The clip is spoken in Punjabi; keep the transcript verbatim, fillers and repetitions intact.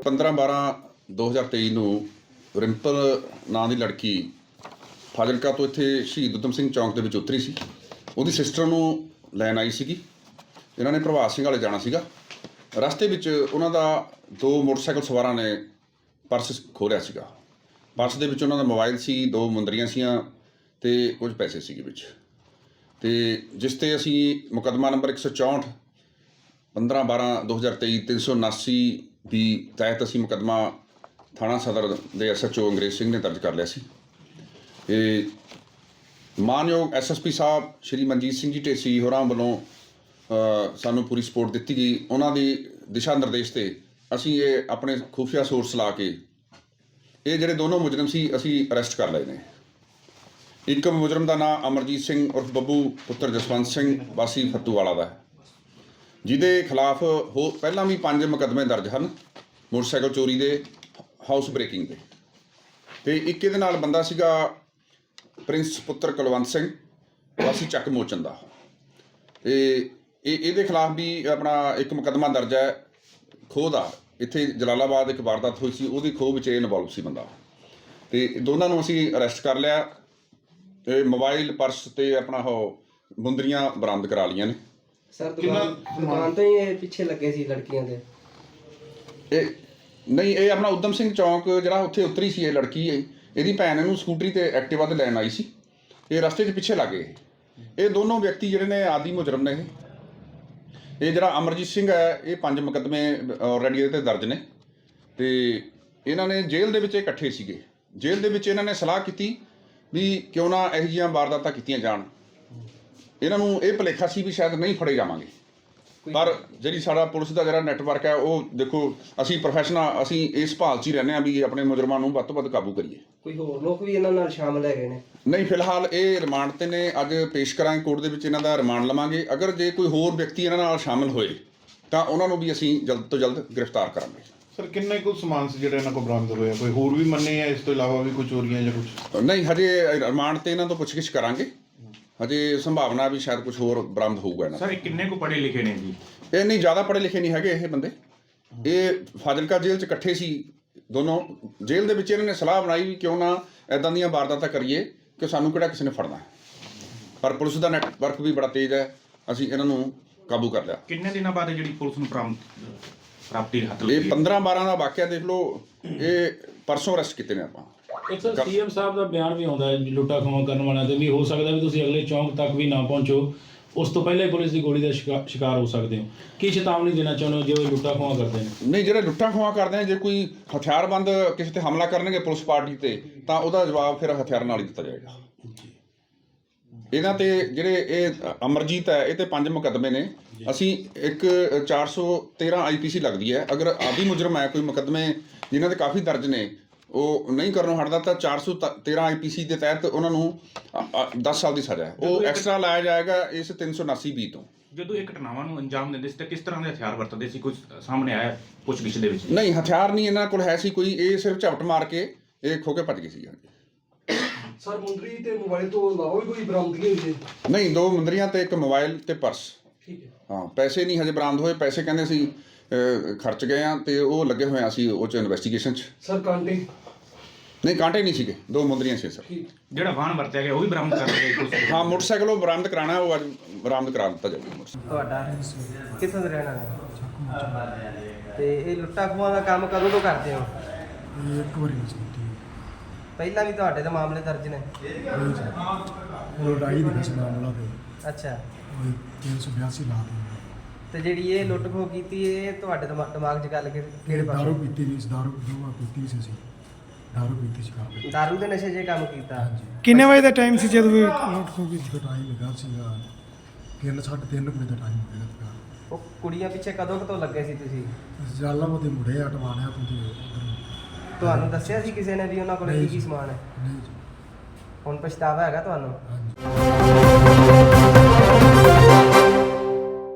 ਪੰਦਰਾਂ ਬਾਰਾਂ ਦੋ ਹਜ਼ਾਰ ਤੇਈ ਨੂੰ ਰਿੰਪਲ ਨਾਂ ਦੀ ਲੜਕੀ ਫਾਜ਼ਿਲਕਾ ਤੋਂ ਇੱਥੇ ਸ਼ਹੀਦ ਊਧਮ ਸਿੰਘ ਚੌਂਕ ਦੇ ਵਿੱਚ ਉਤਰੀ ਸੀ। ਉਹਦੀ ਸਿਸਟਰ ਨੂੰ ਲੈਣ ਆਈ ਸੀਗੀ। ਇਹਨਾਂ ਨੇ ਪ੍ਰਭਾਤ ਸਿੰਘ ਵਾਲੇ ਜਾਣਾ ਸੀਗਾ। ਰਸਤੇ ਵਿੱਚ ਉਹਨਾਂ ਦਾ ਦੋ ਮੋਟਰਸਾਈਕਲ ਸਵਾਰਾਂ ਨੇ ਪਰਸ ਖੋਹ ਲਿਆ ਸੀਗਾ। ਪਰਸ ਦੇ ਵਿੱਚ ਉਹਨਾਂ ਦਾ ਮੋਬਾਈਲ ਸੀ, ਦੋ ਮੁੰਦਰੀਆਂ ਸੀਆਂ ਅਤੇ ਕੁਝ ਪੈਸੇ ਸੀਗੇ ਵਿੱਚ। ਅਤੇ ਜਿਸ 'ਤੇ ਅਸੀਂ ਮੁਕੱਦਮਾ ਨੰਬਰ ਇੱਕ ਸੌ ਚੌਂਹਠ ਪੰਦਰਾਂ ਬਾਰਾਂ ਦੋ ਹਜ਼ਾਰ ਤੇਈ ਤਿੰਨ ਸੌ ਉਨਾਸੀ ਦੀ ਤਹਿਤ ਅਸੀਂ ਮੁਕੱਦਮਾ ਥਾਣਾ ਸਦਰ ਦੇ ਐਸ ਐਚ ਓ ਅੰਗਰੇਜ਼ ਸਿੰਘ ਨੇ ਦਰਜ ਕਰ ਲਿਆ ਸੀ। ਇਹ ਮਾਨਯੋਗ ਐਸ ਐਸ ਪੀ ਸਾਹਿਬ ਸ਼੍ਰੀ ਮਨਜੀਤ ਸਿੰਘ ਜੀ ਢੇਸੀ ਹੋਰਾਂ ਵੱਲੋਂ ਸਾਨੂੰ ਪੂਰੀ ਸਪੋਰਟ ਦਿੱਤੀ ਗਈ। ਉਹਨਾਂ ਦੀ ਦਿਸ਼ਾ ਨਿਰਦੇਸ਼ 'ਤੇ ਅਸੀਂ ਇਹ ਆਪਣੇ ਖੁਫੀਆ ਸੋਰਸ ਲਾ ਕੇ ਇਹ ਜਿਹੜੇ ਦੋਨੋਂ ਮੁਜਰਮ ਸੀ ਅਸੀਂ ਅਰੈਸਟ ਕਰ ਲਏ ਨੇ। ਇੱਕ ਮੁਜਰਮ ਦਾ ਨਾਮ ਅਮਰਜੀਤ ਸਿੰਘ ਉਰਫ ਬੱਬੂ ਪੁੱਤਰ ਜਸਵੰਤ ਸਿੰਘ ਵਾਸੀ ਫੱਤੂਵਾਲਾ ਦਾ ਹੈ, ਜਿਹਦੇ ਖਿਲਾਫ ਹੋ ਪਹਿਲਾਂ ਵੀ ਪੰਜ ਮੁਕੱਦਮੇ ਦਰਜ ਹਨ ਮੋਟਰਸਾਈਕਲ ਚੋਰੀ ਦੇ, ਹਾਊਸ ਬ੍ਰੇਕਿੰਗ ਦੇ। ਅਤੇ ਇੱਕ ਇਹਦੇ ਨਾਲ ਬੰਦਾ ਸੀਗਾ ਪ੍ਰਿੰਸ ਪੁੱਤਰ ਕੁਲਵੰਤ ਸਿੰਘ ਵਾਸੀ ਚੱਕ ਮੋਚਨ ਦਾ। ਅਤੇ ਇਹ ਇਹਦੇ ਖਿਲਾਫ ਵੀ ਆਪਣਾ ਇੱਕ ਮੁਕੱਦਮਾ ਦਰਜ ਹੈ ਖੋਹ ਦਾ। ਇੱਥੇ ਜਲਾਲਾਬਾਦ ਇੱਕ ਵਾਰਦਾਤ ਹੋਈ ਸੀ, ਉਹਦੀ ਖੋਹ ਵਿੱਚ ਇਹ ਇਨਵੋਲਵ ਸੀ ਬੰਦਾ। ਅਤੇ ਦੋਨਾਂ ਨੂੰ ਅਸੀਂ ਅਰੈਸਟ ਕਰ ਲਿਆ ਅਤੇ ਮੋਬਾਈਲ, ਪਰਸ ਅਤੇ ਆਪਣਾ ਉਹ ਮੁੰਦਰੀਆਂ ਬਰਾਮਦ ਕਰਾ ਲਈਆਂ ਨੇ। ਸਰ ਦੁਕਾਨ ਦੁਕਾਨ ਤੋਂ ਹੀ ਇਹ ਪਿੱਛੇ ਲੱਗੇ ਸੀ ਲੜਕੀਆਂ ਦੇ? ਇਹ ਨਹੀਂ, ਇਹ ਆਪਣਾ ਊਧਮ ਸਿੰਘ ਚੌਂਕ ਜਿਹੜਾ ਉੱਥੇ ਉਤਰੀ ਸੀ ਇਹ ਲੜਕੀ। ਇਹ ਇਹਦੀ ਭੈਣ ਇਹਨੂੰ ਸਕੂਟਰੀ 'ਤੇ ਐਕਟਿਵਾ 'ਤੇ ਲੈਣ ਆਈ ਸੀ। ਇਹ ਰਸਤੇ 'ਚ ਪਿੱਛੇ ਲੱਗ ਗਏ। ਇਹ ਦੋਨੋਂ ਵਿਅਕਤੀ ਜਿਹੜੇ ਨੇ ਆਦੀ ਮੁਜਰਮ ਨੇ। ਇਹ ਇਹ ਜਿਹੜਾ ਅਮਰਜੀਤ ਸਿੰਘ ਹੈ ਇਹ ਪੰਜ ਮੁਕੱਦਮੇ ਆਲਰੇਡੀ ਇਹਦੇ 'ਤੇ ਦਰਜ ਨੇ। ਅਤੇ ਇਹਨਾਂ ਨੇ ਜੇਲ੍ਹ ਦੇ ਵਿੱਚ ਇਕੱਠੇ ਸੀਗੇ। ਜੇਲ੍ਹ ਦੇ ਵਿੱਚ ਇਹਨਾਂ ਨੇ ਸਲਾਹ ਕੀਤੀ ਵੀ ਕਿਉਂ ਨਾ ਇਹੋ ਜਿਹੀਆਂ ਵਾਰਦਾਤਾਂ ਕੀਤੀਆਂ ਜਾਣ। ਇਹਨਾਂ ਨੂੰ ਇਹ ਭੁਲੇਖਾ ਸੀ ਵੀ ਸ਼ਾਇਦ ਨਹੀਂ ਫੜੇ ਜਾਵਾਂਗੇ, ਪਰ ਜਿਹੜੀ ਸਾਡਾ ਪੁਲਿਸ ਦਾ ਜਿਹੜਾ ਨੈਟਵਰਕ ਹੈ ਉਹ ਦੇਖੋ, ਅਸੀਂ ਪ੍ਰੋਫੈਸ਼ਨਲ ਅਸੀਂ ਇਸ ਭਾਲ 'ਚ ਹੀ ਰਹਿੰਦੇ ਹਾਂ ਵੀ ਆਪਣੇ ਮੁਜਰਮਾਂ ਨੂੰ ਵੱਧ ਤੋਂ ਵੱਧ ਕਾਬੂ ਕਰੀਏ। ਕੋਈ ਹੋਰ ਲੋਕ ਵੀ ਇਹਨਾਂ ਨਾਲ ਸ਼ਾਮਲ ਹੈਗੇ ਨੇ? ਨਹੀਂ, ਫਿਲਹਾਲ ਇਹ ਰਿਮਾਂਡ 'ਤੇ ਨੇ। ਅੱਜ ਪੇਸ਼ ਕਰਾਂਗੇ ਕੋਰਟ ਦੇ ਵਿੱਚ, ਇਹਨਾਂ ਦਾ ਰਿਮਾਂਡ ਲਵਾਂਗੇ। ਅਗਰ ਜੇ ਕੋਈ ਹੋਰ ਵਿਅਕਤੀ ਇਹਨਾਂ ਨਾਲ ਸ਼ਾਮਲ ਹੋਏ ਤਾਂ ਉਹਨਾਂ ਨੂੰ ਵੀ ਅਸੀਂ ਜਲਦ ਤੋਂ ਜਲਦ ਗ੍ਰਿਫਤਾਰ ਕਰਾਂਗੇ। ਸਰ ਕਿੰਨੇ ਕੁ ਸਮਾਨ ਸੀ ਜਿਹੜਾ ਇਹਨਾਂ ਕੋਲ ਬਰਾਮਦ ਹੋਇਆ? ਕੋਈ ਹੋਰ ਵੀ ਮੰਨੇ ਆ ਇਸ ਤੋਂ ਇਲਾਵਾ ਵੀ ਕੋਈ ਚੋਰੀਆਂ ਜਾਂ ਕੁਝ? ਨਹੀਂ, ਹਜੇ ਰਿਮਾਂਡ 'ਤੇ ਇਹਨਾਂ ਤੋਂ ਪੁੱਛਗਿੱਛ ਕਰਾਂਗੇ। ਹਜੇ ਸੰਭਾਵਨਾ ਵੀ ਸ਼ਾਇਦ ਕੁਝ ਹੋਰ ਬਰਾਮਦ ਹੋਊਗਾ ਇਹਨਾਂ। ਸਰ ਕਿੰਨੇ ਕੁ ਪੜ੍ਹੇ ਲਿਖੇ ਨੇ ਜੀ? ਇਹ ਨਹੀਂ ਜ਼ਿਆਦਾ ਪੜ੍ਹੇ ਲਿਖੇ ਨਹੀਂ ਹੈਗੇ ਇਹ ਬੰਦੇ। ਇਹ ਫਾਜ਼ਿਲਕਾ ਜੇਲ੍ਹ 'ਚ ਇਕੱਠੇ ਸੀ ਦੋਨੋਂ। ਜੇਲ੍ਹ ਦੇ ਵਿੱਚ ਇਹਨਾਂ ਨੇ ਸਲਾਹ ਬਣਾਈ ਵੀ ਕਿਉਂ ਨਾ ਇੱਦਾਂ ਦੀਆਂ ਵਾਰਦਾਤਾਂ ਕਰੀਏ ਕਿ ਸਾਨੂੰ ਕਿਹੜਾ ਕਿਸੇ ਨੇ ਫੜਨਾ। ਪਰ ਪੁਲਿਸ ਦਾ ਨੈਟਵਰਕ ਵੀ ਬੜਾ ਤੇਜ਼ ਹੈ, ਅਸੀਂ ਇਹਨਾਂ ਨੂੰ ਕਾਬੂ ਕਰ ਲਿਆ। ਕਿੰਨੇ ਦਿਨਾਂ ਬਾਅਦ ਜਿਹੜੀ ਪੁਲਿਸ ਨੂੰ ਪ੍ਰਾਪਤ ਪ੍ਰਾਪਤੀ ਹੱਥ ਲੱਗੀ? ਇਹ ਪੰਦਰਾਂ ਬਾਰਾਂ ਦਾ ਵਾਕਿਆ ਦੇਖ ਲਓ। ਇਹ ਪਰਸੋਂ ਅਰੈਸਟ ਕੀਤੇ ਨੇ ਆਪਾਂ। ਇੱਕ ਸਰ ਸੀ ਐਮ ਸਾਹਿਬ ਦਾ ਬਿਆਨ ਵੀ ਆਉਂਦਾ ਹੈ ਲੁੱਟਾ ਖੋਹਾਂ ਕਰਨ ਵਾਲਿਆਂ 'ਤੇ ਵੀ ਹੋ ਸਕਦਾ ਵੀ ਤੁਸੀਂ ਅਗਲੇ ਚੌਂਕ ਤੱਕ ਵੀ ਨਾ ਪਹੁੰਚੋ, ਉਸ ਤੋਂ ਪਹਿਲਾਂ ਹੀ ਪੁਲਿਸ ਦੀ ਗੋਲੀ ਦਾ ਸ਼ਿਕਾਰ ਹੋ ਸਕਦੇ ਹੋ। ਕੀ ਚੇਤਾਵਨੀ ਦੇਣਾ ਚਾਹੁੰਦੇ ਹੋ ਜੇ ਉਹ ਲੁੱਟਾ ਖੋਹਾਂ ਕਰਦੇ ਨੇ? ਨਹੀਂ, ਜਿਹੜੇ ਲੁੱਟਾਂ ਖੋਹਾਂ ਕਰਦੇ ਨੇ, ਜੇ ਕੋਈ ਹਥਿਆਰਬੰਦ ਕਿਸੇ 'ਤੇ ਹਮਲਾ ਕਰਨਗੇ ਪੁਲਿਸ ਪਾਰਟੀ 'ਤੇ ਤਾਂ ਉਹਦਾ ਜਵਾਬ ਫਿਰ ਹਥਿਆਰ ਨਾਲ ਹੀ ਦਿੱਤਾ ਜਾਏਗਾ। ਇਹਨਾਂ 'ਤੇ ਜਿਹੜੇ ਇਹ ਅਮਰਜੀਤ ਹੈ ਇਹ 'ਤੇ ਪੰਜ ਮੁਕੱਦਮੇ ਨੇ। ਅਸੀਂ ਇੱਕ ਚਾਰ ਸੌ ਤੇਰ੍ਹਾਂ ਆਈ ਪੀ ਸੀ ਲੱਗਦੀ ਹੈ। ਅਗਰ ਆਦੀ ਮੁਜਰਮ ਹੈ ਕੋਈ ਮੁਕੱਦਮੇ ਜਿਨ੍ਹਾਂ 'ਤੇ ਕਾਫੀ ਦਰਜ ਨੇ ਉਹ ਨਹੀਂ ਕਰਨੋਂ ਹਟਦਾ ਤਾਂ ਚਾਰ ਸੌ ਤੇਰ੍ਹਾਂ ਆਈ ਪੀ ਸੀ ਦੇ ਤਹਿਤ ਉਹਨਾਂ ਨੂੰ ਦਸ ਸਾਲ ਦੀ ਸਜ਼ਾ ਹੈ ਉਹ ਐਕਸਟਰਾ ਲਾਇਆ ਜਾਏਗਾ ਇਸ ਤਿੰਨ ਸੌ ਉਨਾਸੀ ਬੀ ਤੋਂ। ਜਦੋਂ ਇਹ ਘਟਨਾਵਾਂ ਨੂੰ ਅੰਜਾਮ ਦਿੰਦੇ ਸੀ ਤਾਂ ਕਿਸ ਤਰ੍ਹਾਂ ਦੇ ਹਥਿਆਰ ਵਰਤਦੇ ਸੀ? ਕੁਝ ਸਾਹਮਣੇ ਆਇਆ ਪੁੱਛਗਿੱਛ ਦੇ ਵਿੱਚ? ਨਹੀਂ, ਹਥਿਆਰ ਨਹੀਂ ਇਹਨਾਂ ਕੋਲ ਹੈ ਸੀ ਕੋਈ। ਇਹ ਸਿਰਫ ਝਪਟ ਮਾਰ ਕੇ ਇਹ ਖੋ ਕੇ ਭੱਜ ਗਏ ਸੀ। ਸਰ ਮੁੰਦਰੀ ਤੇ ਮੋਬਾਈਲ ਤੋਂ ਇਲਾਵਾ ਵੀ ਕੋਈ ਬਰਾਮਦਗੀ ਹੋਈ ਹੈ? ਨਹੀਂ, ਦੋ ਮੁੰਦਰੀਆਂ ਤੇ ਇੱਕ ਮੋਬਾਈਲ ਤੇ ਪਰਸ। ਠੀਕ ਹੈ। ਹਾਂ, ਪੈਸੇ ਨਹੀਂ ਹਜੇ ਬਰਾਮਦ ਹੋਏ। ਪੈਸੇ ਕਹਿੰਦੇ ਸੀ ਖਰਚ ਗਏ ਆ ਤੇ ਉਹ ਲੱਗੇ ਹੋਏ ਆ ਅਸੀਂ ਉਹ 'ਚ ਇਨਵੈਸਟੀਗੇਸ਼ਨ 'ਚ। ਸਰ ਕਾਂਟੇ? ਨਹੀਂ, ਕਾਂਟੇ ਨਹੀਂ ਸੀਗੇ, ਦੋ ਮੁੰਦਰੀਆਂ ਸੀ ਸਰ। ਜਿਹੜਾ ਵਾਹਨ ਵਰਤਿਆ ਗਿਆ ਉਹ ਵੀ ਬਰਾਮਦ ਕਰ ਲਿਆ ਪੁਲਿਸ? ਹਾਂ, ਮੋਟਰਸਾਈਕਲ ਉਹ ਬਰਾਮਦ ਕਰਾਉਣਾ, ਉਹ ਅੱਜ ਬਰਾਮਦ ਕਰਾ ਦਿੱਤਾ ਜਾਊਗਾ। ਤੁਹਾਡਾ ਕਿੱਥੋਂ ਦਾ ਰਹਿਣ ਵਾਲਾ? ਤੇ ਇਹ ਲੁੱਟਾ ਖੋਹਾਂ ਦਾ ਕੰਮ ਕਦੋਂ ਤੋਂ ਕਰਦੇ ਹੋ? ਇੱਕ ਵਾਰੀ ਨਹੀਂ ਸੁਣਦੀ। ਪਹਿਲਾਂ ਵੀ ਤੁਹਾਡੇ ਤੇ ਮਾਮਲੇ ਦਰਜ ਨੇ? ਉਹ ਲੜਾਈ ਦੀ ਕਿਸ ਮਾਮਲਾ ਤੇ ਅੱਛਾ। ਉਹ ਤਿੰਨ ਸੌ ਬਿਆਸੀ ਲਾ ਦਿੰਦੇ। ਤੇ ਜਿਹੜੀ ਇਹ ਲੁੱਟ ਖੋਹ ਕੀਤੀ ਇਹ ਤੁਹਾਡੇ ਦਿਮਾ- ਦਿਮਾਗ 'ਚ ਗੱਲ ਕਿ ਕਿਹੜੇ ਦਾਰੂ ਪਾਸੇ? ਪੀਤੀ ਨਹੀਂ ਸੀ, ਦਾਰੂ ਦੋਵਾਂ ਪੀਤੀ ਸੀ ਅਸੀਂ। ਦਾਰੂ ਪੀਤੀ ਸੀ ਕਰਦੇ। ਦਾਰੂ ਦੇ ਨਸ਼ੇ 'ਚ ਇਹ ਕੰਮ ਕੀਤਾ? ਹਾਂਜੀ। ਕਿੰਨੇ ਵਜੇ ਦਾ ਟਾਈਮ ਸੀ ਜਦੋਂ ਇਹ ਲੁੱਟ ਖੋਹ ਕੀਤੀ? ਇੱਕ ਟਾਈਮ ਲੱਗਾ ਸੀਗਾ ਤਿੰਨ ਸਾਢੇ ਤਿੰਨ ਵਜੇ ਦਾ ਟਾਈਮ ਹੋ ਗਿਆ। ਉਹ ਕੁੜੀਆਂ ਪਿੱਛੇ ਕਦੋਂ ਕਦੋਂ ਲੱਗੇ ਸੀ ਤੁਸੀਂ? ਜਲਾਲਾਬਾਦ ਦੇ ਮੁੰਡੇ ਅਟਵਾਣਿਆ ਤੋਂ ਤੇ ਉਧਰ। ਤੁਹਾਨੂੰ ਦੱਸਿਆ ਸੀ ਕਿਸੇ ਨੇ ਵੀ ਉਹਨਾਂ ਕੋਲ ਕੀ ਕੀ ਸਮਾਨ ਹੈ? ਨਹੀਂ ਜੀ। ਹੁਣ ਪਛਤਾਵਾ ਹੈਗਾ ਤੁਹਾਨੂੰ? ਹਾਂਜੀ।